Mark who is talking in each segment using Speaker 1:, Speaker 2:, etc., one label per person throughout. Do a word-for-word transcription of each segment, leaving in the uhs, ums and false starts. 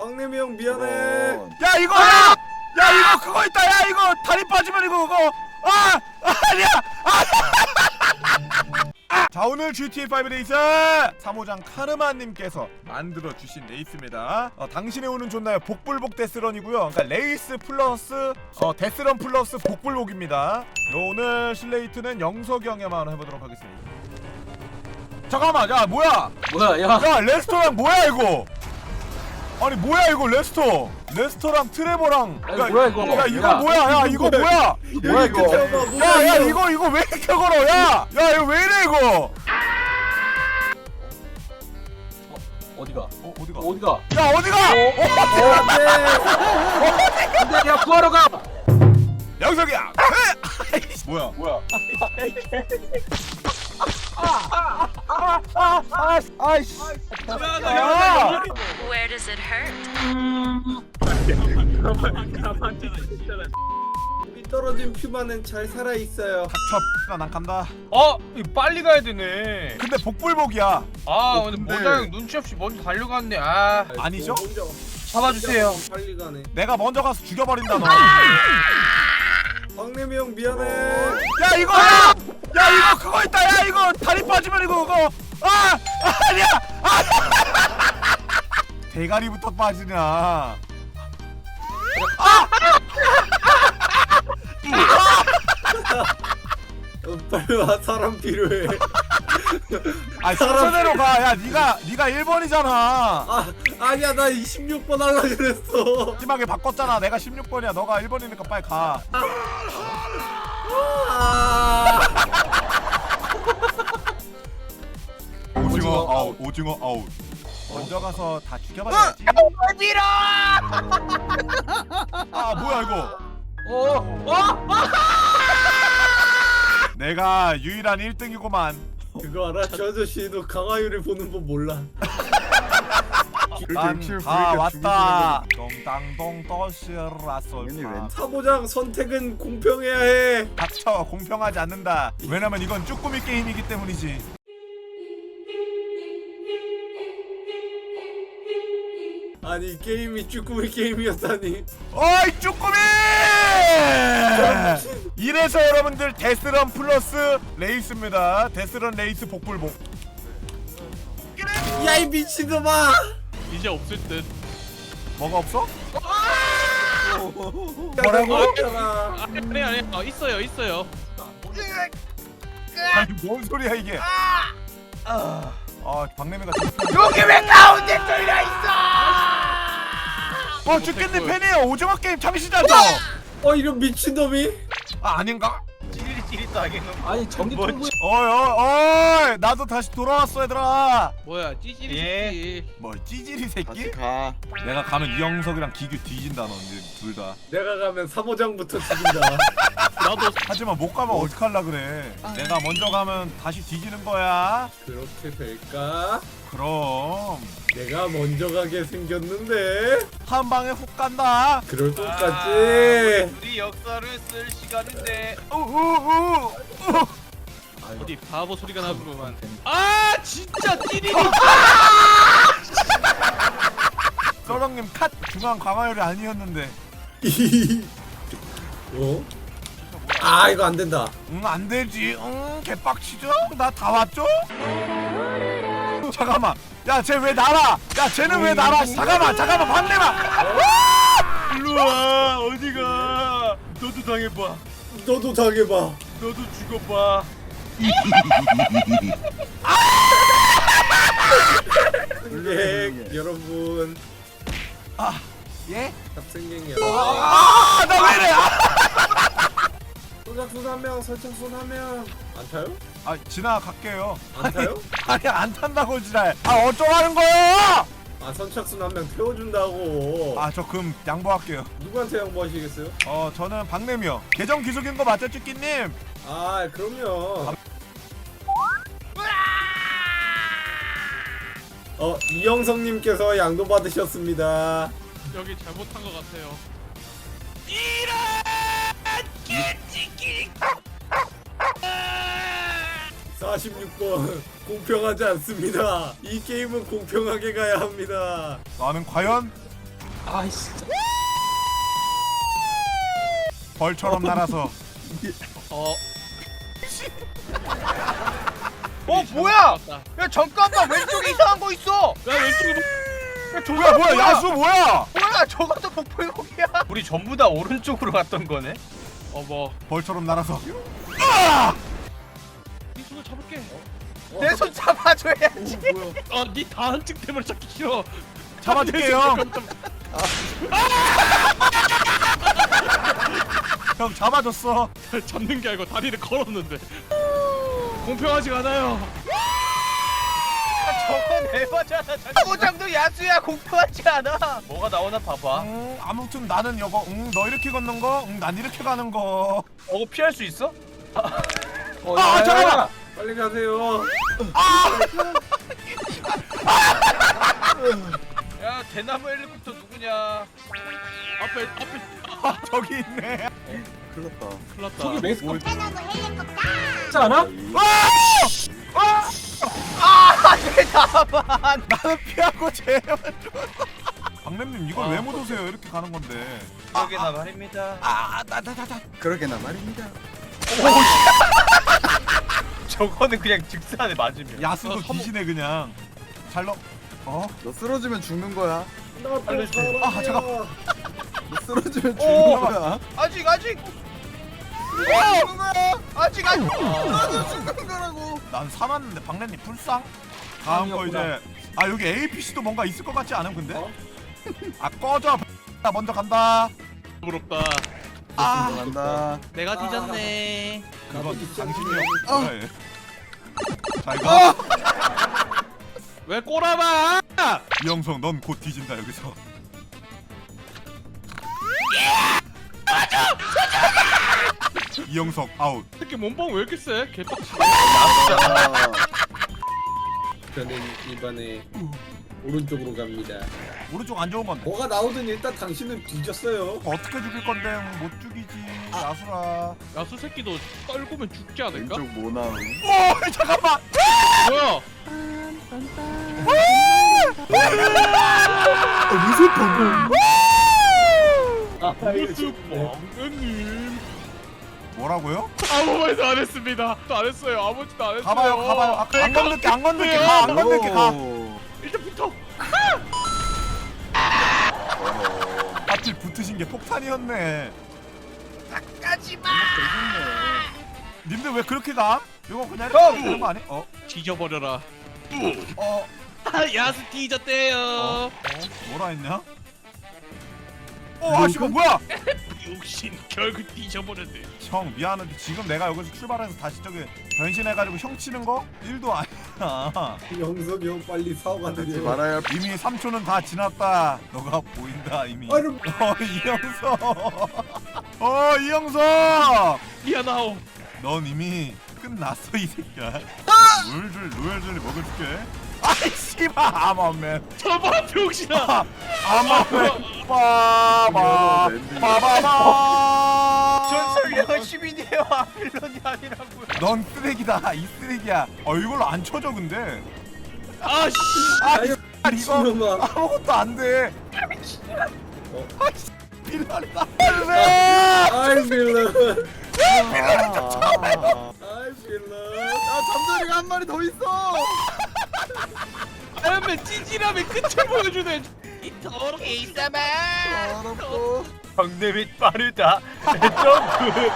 Speaker 1: 박내미 형 미안해.
Speaker 2: 야 이거 야! 야 이거 그거 있다. 야 이거 다리 빠지면 이거 그거 아! 아니야! 아! 자 오늘 지티에이 파이브 레이스 사모장 카르마님께서 만들어주신 레이스입니다. 어, 당신의 운은 좋나요? 복불복 데스런이고요. 그러니까 레이스 플러스 어, 데스런 플러스 복불복입니다. 요 오늘 실레이트는 영석이 형에만 해보도록 하겠습니다. 잠깐만 야 뭐야
Speaker 3: 뭐야 야
Speaker 2: 야 레스토랑 뭐야 이거. 아니 뭐야 이거 레스토 레스토랑 트레버랑
Speaker 3: 아니, 뭐야, 이거.
Speaker 2: 야 이거
Speaker 3: 야,
Speaker 2: 뭐야 야 이거 뭐야
Speaker 3: 뭐야 이거
Speaker 2: 야 야 이거 이거 왜 이렇게 걸어 야 야 이거 왜 이래 이거
Speaker 3: 어디가
Speaker 2: 어 어디가
Speaker 3: 어디가
Speaker 2: 야 어디가
Speaker 3: 안돼 야 구하러 가
Speaker 2: 영석이야 아이씨 뭐야
Speaker 3: 뭐야
Speaker 2: 아이씨
Speaker 3: 야
Speaker 4: Where does it hurt?
Speaker 1: 우리 떨어진 퓨마는 잘 살아 있어요.
Speaker 2: 닥쳐 난 간다.
Speaker 5: 어? 이거 빨리 가야 되네.
Speaker 2: 근데 복불복이야.
Speaker 5: 아
Speaker 1: 어,
Speaker 5: 근데
Speaker 1: 근데-
Speaker 5: 모자형 눈치 없이 먼저 달려갔네. 아
Speaker 2: 아니죠?
Speaker 1: 먼저
Speaker 5: 잡아주세요.
Speaker 1: 빨리 가네.
Speaker 2: 내가 먼저 가서 죽여버린다 너.
Speaker 1: 박내미 형 미안해.
Speaker 2: 야 이거 야! 야 이거 그거 있다. 야 이거 다리 빠지면 이거 그거 아! 아니야! 아! 대가리부터 빠지냐.
Speaker 1: 어, 빨리 와 사람 필요해.
Speaker 2: 아 순서대로 가. 야 네가 네가 일 번이잖아.
Speaker 1: 아 아니야 나 이십육 번 하려 그랬어.
Speaker 2: 마지막에 바꿨잖아. 내가 십육 번이야. 너가 일 번이니까 빨리 가.
Speaker 1: 아
Speaker 2: 오징어 아웃. 오징어 아웃. 먼저 가서 다 죽여버려야지.
Speaker 5: 밀어!
Speaker 2: 아 뭐야 이거.
Speaker 3: 어? 어?
Speaker 2: 내가 유일한 일 등이고만.
Speaker 1: 그거 알아? 저 아저씨도 강화유를 보는 법 몰라.
Speaker 2: 난 다 왔다. 동땅동 떠시라소.
Speaker 1: 사모장 선택은 공평해야 해.
Speaker 2: 닥쳐. 공평하지 않는다. 왜냐면 이건 쭈꾸미 게임이기 때문이지.
Speaker 1: 아니 게임이 쭈꾸미 게임이었다니.
Speaker 2: 어이 쭈꾸미! 이래서 여러분들 데스런 플러스 레이스입니다. 데스런 레이스 복불복.
Speaker 1: 야 이 미친놈아.
Speaker 5: 이제 없을 듯.
Speaker 2: 뭐가 없어?
Speaker 1: 뭐라고?
Speaker 5: 아, 아니 아니 어, 있어요 있어요.
Speaker 2: 아니 뭔 소리야 이게? 아, 박내미가
Speaker 5: 여기 왜 가운데 뚫려 있어?
Speaker 2: 어 죽겠네. 팬이에요. 오징어 게임 참시자죠?
Speaker 1: 어 이런 미친놈이.
Speaker 2: 아 아닌가?
Speaker 5: 찌릿찌릿도 하겠노.
Speaker 3: 아니 전기 통구
Speaker 2: 어이 어이 어이 나도 다시 돌아왔어 얘들아.
Speaker 5: 뭐야 찌질이
Speaker 2: 뭐 찌질이 새끼?
Speaker 6: 가.
Speaker 2: 내가 가면 이영석이랑 기규 뒤진다 너 이제 둘 다.
Speaker 1: 내가 가면 사모장부터 죽인다.
Speaker 5: 나도
Speaker 2: 하지만 못 가면 어떡할라 그래. 내가 먼저 가면 다시 뒤지는 거야.
Speaker 1: 그렇게 될까?
Speaker 2: 그럼
Speaker 1: 내가 먼저 가게 생겼는데.
Speaker 2: 한 방에 훅 간다.
Speaker 1: 그럴 것 같지.
Speaker 5: 우리 역사를 쓸 시간인데
Speaker 2: 우우우.
Speaker 5: 어디 바보 소리가 나구만. 아 진짜 찌릿이.
Speaker 2: 서령님 컷. 중앙 강화열이 아니었는데.
Speaker 1: 어? 아 이거 안 된다.
Speaker 2: 응 안되지. 응 개빡치죠? 나 다 왔죠? 잠깐만. 야 쟤 왜 날아? 야 쟤는 왜 날아? 잠깐만 잠깐만 박내마.
Speaker 5: 일로와 어디가? 너도 당해봐.
Speaker 1: 너도 당해봐.
Speaker 5: 너도 죽어봐.
Speaker 1: 네 여러분.
Speaker 2: 아 예?
Speaker 1: 탑승객이야.
Speaker 2: 아나 왜 이래? 아!
Speaker 1: 선착순 한 명, 선착순 한 명. 안 타요?
Speaker 2: 아 지나갈게요.
Speaker 1: 안 타요?
Speaker 2: 아니 안 탄다고 지랄. 아 어쩌라는 거예요?
Speaker 1: 아 선착순 한 명 태워준다고.
Speaker 2: 아 저 그럼 양보할게요.
Speaker 1: 누구한테 양보하시겠어요?
Speaker 2: 어 저는 박내미요. 계정 기속인 거 맞죠 쭈끼님?
Speaker 1: 아 그럼요. 어 이영성님께서 양도 받으셨습니다.
Speaker 5: 여기 잘못한 것 같아요.
Speaker 1: 사십육 번 공평하지 않습니다. 이 게임은 공평하게 가야 합니다.
Speaker 2: 나는 과연
Speaker 3: 아이 진짜.
Speaker 2: 벌처럼 날아서.
Speaker 5: 어.
Speaker 4: 어 뭐야? 야 잠깐만 왼쪽에 이상한 거 있어.
Speaker 5: 야 왼쪽에 뭐-
Speaker 4: 야 저거
Speaker 2: 뭐야 뭐야 야수 뭐야?
Speaker 4: 뭐야 저것도 복불복이야. 우리 전부 다 오른쪽으로 갔던 거네.
Speaker 5: 어머.
Speaker 2: 벌처럼 날아서.
Speaker 5: 이 손을 잡을게.
Speaker 4: 내 손 잡아줘야지.
Speaker 5: 아, 네 다한증 때문에 잡기 싫어.
Speaker 2: 잡아줄게요. 형 잡아줬어.
Speaker 5: 잡는 게 아니고 다리를 걸었는데. 공평하지가 않아요.
Speaker 4: 저건 에바잖아. 사고장도 야수야 공평하지 않아. 뭐가 나오나 봐봐.
Speaker 2: 음, 아무튼 나는 이거 응, 너 이렇게 걷는 거, 응, 난 이렇게 가는 거.
Speaker 4: 어 피할 수 있어?
Speaker 3: 어,
Speaker 2: 아,
Speaker 3: 야, 야,
Speaker 2: 잠깐만!
Speaker 3: 야.
Speaker 1: 빨리 가세요.
Speaker 4: 야 대나무 헬리콥터 누구냐?
Speaker 5: 앞에 앞에
Speaker 2: 아, 저기 있네.
Speaker 1: 큰일 났다.
Speaker 5: 큰일 났다.
Speaker 3: 저기 멕시코
Speaker 2: 뭘-
Speaker 3: 있지 않아?
Speaker 4: 아내 나만.
Speaker 2: 나는 피하고 제발. 박냄님 이걸
Speaker 5: 아.
Speaker 2: 왜 못 오세요? 이렇게 가는 건데.
Speaker 4: 그러게나 말입니다.
Speaker 2: 아, 나, 나, 나, 나.
Speaker 1: 그러게나 말입니다.
Speaker 4: 저거는 그냥 직선에 맞으면.
Speaker 2: 야수도
Speaker 5: 어, 서모-
Speaker 2: 귀신해 그냥. 잘 넣. 어?
Speaker 1: 너 쓰러지면 죽는 거야.
Speaker 4: 알려주세요.
Speaker 2: 아, 잠깐.
Speaker 1: 너 쓰러지면
Speaker 4: 오!
Speaker 1: 죽는 거야.
Speaker 4: 아직 아직.
Speaker 1: 죽는 거야.
Speaker 4: 아직 아직.
Speaker 1: 쓰러져 죽는 거라고.
Speaker 2: 난 사놨는데 박냄님 불쌍. 다음 거 이제. 아 여기 에이피씨도 뭔가 있을 것 같지 않음 근데?
Speaker 1: 어?
Speaker 2: 아 꺼져. 나 먼저 간다.
Speaker 5: 부럽다.
Speaker 2: 아.
Speaker 1: 간다.
Speaker 5: 내가 뒤졌네.
Speaker 2: 그건 당신이
Speaker 1: 어.
Speaker 2: 뭐야 얘. 잘 가.
Speaker 5: 왜 꼬라봐?
Speaker 2: 이영석 넌 곧 뒤진다 여기서. 이영석 아웃.
Speaker 5: 특히 몸빵 왜 이렇게 세? 개빡치.
Speaker 3: 저는 이번에 오른쪽으로 갑니다.
Speaker 2: 오른쪽 안 좋은 건데.
Speaker 1: 뭐가 나오든 일단 당신은 뒤졌어요.
Speaker 2: 어떻게 죽일 건데 못 죽이지. 야수라.
Speaker 5: 야수 새끼도 떨구면 죽지 않을까?
Speaker 1: 왼쪽 뭐 나오?
Speaker 2: 오 잠깐만.
Speaker 5: 뭐야?
Speaker 1: 무슨
Speaker 5: 무슨 뻥님?
Speaker 2: 뭐라고요?
Speaker 5: 아무 말도 안 했습니다. 또 안 했어요. 아무 짓도 안 했어요.
Speaker 2: 가봐요 가봐요. 아, 안 건들게 안 건들게 가. 안 건들게 가.
Speaker 5: 일단 붙어.
Speaker 2: 하필 붙으신 게 폭탄이었네.
Speaker 4: 가지마.
Speaker 2: 님들 왜 그렇게 가? 이거 그냥
Speaker 4: 형!
Speaker 2: 이렇게 되는 거 아니? 어?
Speaker 5: 뒤져버려라.
Speaker 2: 어?
Speaker 5: 야수 뒤졌대요.
Speaker 2: 어? 뭐라 했냐? 어 아씨가 뭐야?
Speaker 5: 욕심 결국 뒤져버렸네.
Speaker 2: 형 미안한데 지금 내가 여기서 출발해서 다시 저기 변신해가지고 형 치는 거 일도 아니야.
Speaker 1: 영석이 형 빨리 사고가
Speaker 2: 하지
Speaker 1: 내려.
Speaker 2: 말아요. 이미 삼 초는 다 지났다. 너가 보인다 이미.
Speaker 1: 아유.
Speaker 2: 어 이영석. 어 이영석.
Speaker 5: 미안하오.
Speaker 2: 넌 이미 끝났어 이 새끼야. 로열줄 로열줄리 먹을게. 아이 씨발 아마맨.
Speaker 5: 저봐 병신아.
Speaker 2: 아마맨. 빠바 빠바바.
Speaker 4: 전설령 시민이에요. 아필런이 아니라고요.
Speaker 2: 넌 쓰레기다 이 쓰레기야. 어 이걸로 안 쳐져 근데.
Speaker 5: 아씨.
Speaker 2: 아
Speaker 1: 아유,
Speaker 2: 이거
Speaker 1: 미친놈아.
Speaker 2: 아무것도 안 돼.
Speaker 1: 어.
Speaker 2: 아이씨 빌런이다.
Speaker 1: 아이 빌런.
Speaker 2: 아,
Speaker 1: 아이 빌런. 아 잠자리가 한 마리 더 있어.
Speaker 5: 아연맨 찌질함의 끝을 보여주네. 이 더럽게 이사마.
Speaker 1: 더럽고.
Speaker 4: 정대미 빠르다. 점프.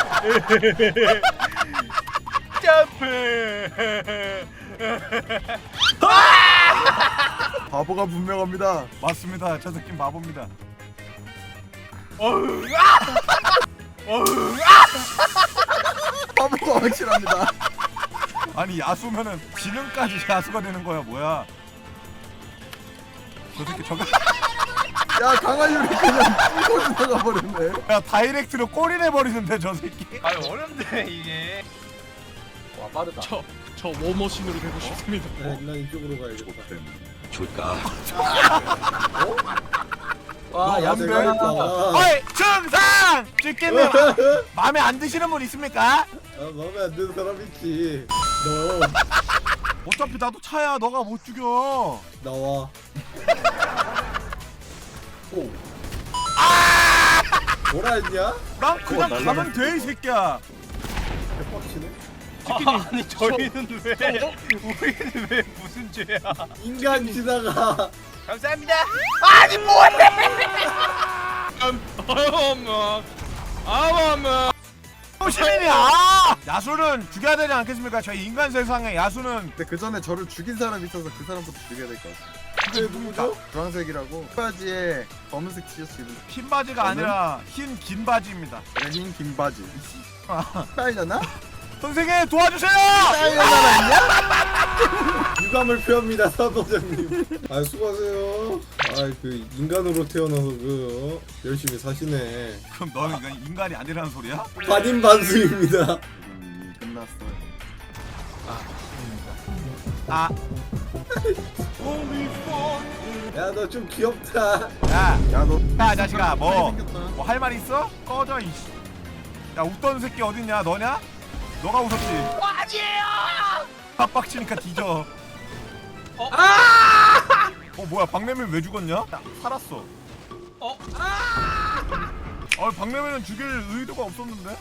Speaker 4: 점프.
Speaker 1: 바보가 분명합니다.
Speaker 2: 맞습니다. 저 새끼 바보입니다.
Speaker 4: 어휴.
Speaker 1: 바보가 확실합니다.
Speaker 2: 아니 야수면은 지능까지 야수가 되는 거야 뭐야? 저 새끼 저거
Speaker 1: 야 강아지를 그냥 뚫고 지나가 버렸네.
Speaker 2: 야 다이렉트로 꼬리내 버리는데 저 새끼.
Speaker 4: 아유 어렵네 이게.
Speaker 3: 와 빠르다.
Speaker 5: 저, 저 워머신으로 되고 싶습니다.
Speaker 1: 네, 난 이쪽으로 가야겠다.
Speaker 3: 와
Speaker 2: 너
Speaker 3: 야수
Speaker 2: 뭔데?
Speaker 3: 가겠다.
Speaker 2: 어이 증상! 죽겠네. 마음에 안 드시는 분 있습니까?
Speaker 1: 아 마음에 안 드는 사람 있지. 너
Speaker 2: 어차피 나도 차야. 너가 못 죽여.
Speaker 1: 나와.
Speaker 3: 오. 뭐라 했냐?
Speaker 2: 난 그냥 가면 돼 이 새끼야.
Speaker 3: 대박치네.
Speaker 4: 아, 아니 저희는 왜 우리는 왜 무슨 죄야?
Speaker 3: 인간 지나가.
Speaker 4: 감사합니다. 아니 뭐해?
Speaker 5: 어머 어머
Speaker 2: 시민이야. 야수는 죽여야 되지 않겠습니까? 저희 인간 세상에 야수는
Speaker 6: 근데 그 전에 저를 죽인 사람이 있어서 그 사람부터 죽여야 될 것 같아.
Speaker 3: 그게 누구죠?
Speaker 6: 주황색이라고 바지에 검은색 티셔츠 입은
Speaker 2: 흰 바지가 아니라 흰 긴 바지입니다.
Speaker 6: 그래, 흰 긴 바지. 빨려나?
Speaker 2: 선생님 도와주세요.
Speaker 6: 빨려나 있냐?
Speaker 3: 유감을 표합니다, 사도장님. 아 수고하세요. 아그 인간으로 태어나서 그 어? 열심히 사시네.
Speaker 2: 그럼 너는 이건 인간이 아니라는 소리야?
Speaker 3: 반인반수입니다.
Speaker 6: 음, 끝났어.
Speaker 2: 아,
Speaker 3: 야 너 좀 귀엽다.
Speaker 2: 야,
Speaker 6: 야 너.
Speaker 2: 야 자식아, 뭐
Speaker 6: 생겼다.
Speaker 2: 뭐 할 말 있어? 꺼져 이씨. 야 웃던 새끼 어딨냐? 너냐? 너가 웃었지.
Speaker 4: 아니에요.
Speaker 2: 빡빡치니까 뒤져.
Speaker 5: 어?
Speaker 2: 어 뭐야? 박래민 왜 죽었냐? 야, 살았어.
Speaker 5: 어?
Speaker 2: 어 박래민은 죽일 의도가 없었는데?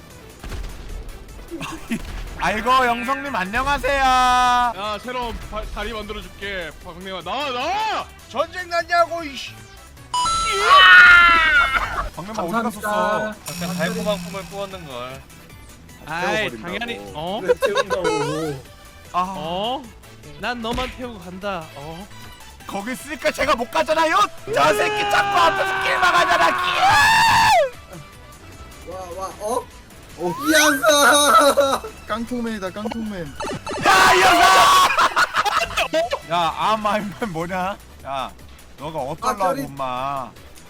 Speaker 2: 아이고 영성님 안녕하세요.
Speaker 5: 야 새로운 바, 다리 만들어줄게 박내와 나와 나와
Speaker 4: 전쟁 났냐고 이씨.
Speaker 2: 박래민 어디 갔었어?
Speaker 4: 약간 달콤한 꿈을 꾸었는 걸.
Speaker 5: 아이
Speaker 6: 태워버린다고.
Speaker 5: 당연히 어?
Speaker 3: 그래 태운다고.
Speaker 2: 아
Speaker 5: 어? 난 너만 태우고 간다 어?
Speaker 2: 거기 있으니까 제가 못 가잖아요. 저 새끼 자꾸 앞에서 길 막아잖아.
Speaker 3: 와와 어? 어 이양사.
Speaker 6: 깡통맨이다 깡통맨.
Speaker 2: 야이 녀석! 야 아마이면 뭐냐? 야 너가 어떨라고
Speaker 3: 아, 별이-
Speaker 2: 엄마.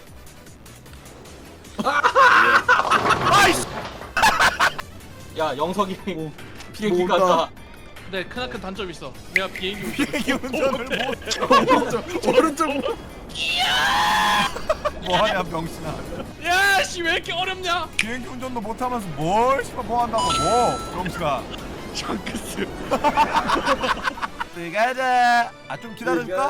Speaker 7: 야 영석이 비행기
Speaker 6: 뭔가.
Speaker 7: 간다.
Speaker 5: 근데 크나큰 단점이 있어 내가 비행기 운전
Speaker 2: 비행기 운전을 못.
Speaker 6: 오른쪽 오른쪽.
Speaker 2: 뭐하냐 병신아.
Speaker 5: 야씨 왜 이렇게 어렵냐
Speaker 2: 비행기 운전도 못하면서 뭘 씨발 뭐 한다고 뭐 병신아.
Speaker 5: 샹크스
Speaker 2: 가자. 아좀 기다려줄까?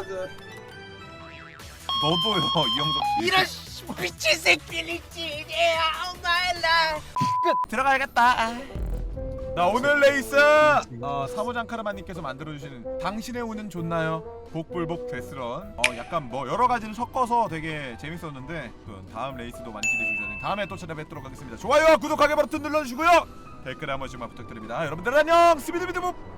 Speaker 2: 너도요 이영석 씨.
Speaker 4: 이런 씨, 미친 새끼리지. Yeah, my life.
Speaker 2: 끝 들어가야겠다. 자 오늘 레이스 어, 사모장 카르마님께서 만들어주시는 당신의 운은 좋나요? 복불복 데스런. 어 약간 뭐 여러 가지를 섞어서 되게 재밌었는데 그 다음 레이스도 많이 기대해 주셔서 다음에 또 찾아뵙도록 하겠습니다. 좋아요 구독하기 버튼 눌러주시고요 댓글 한 번씩만 부탁드립니다. 여러분들 안녕 스비드비드봅.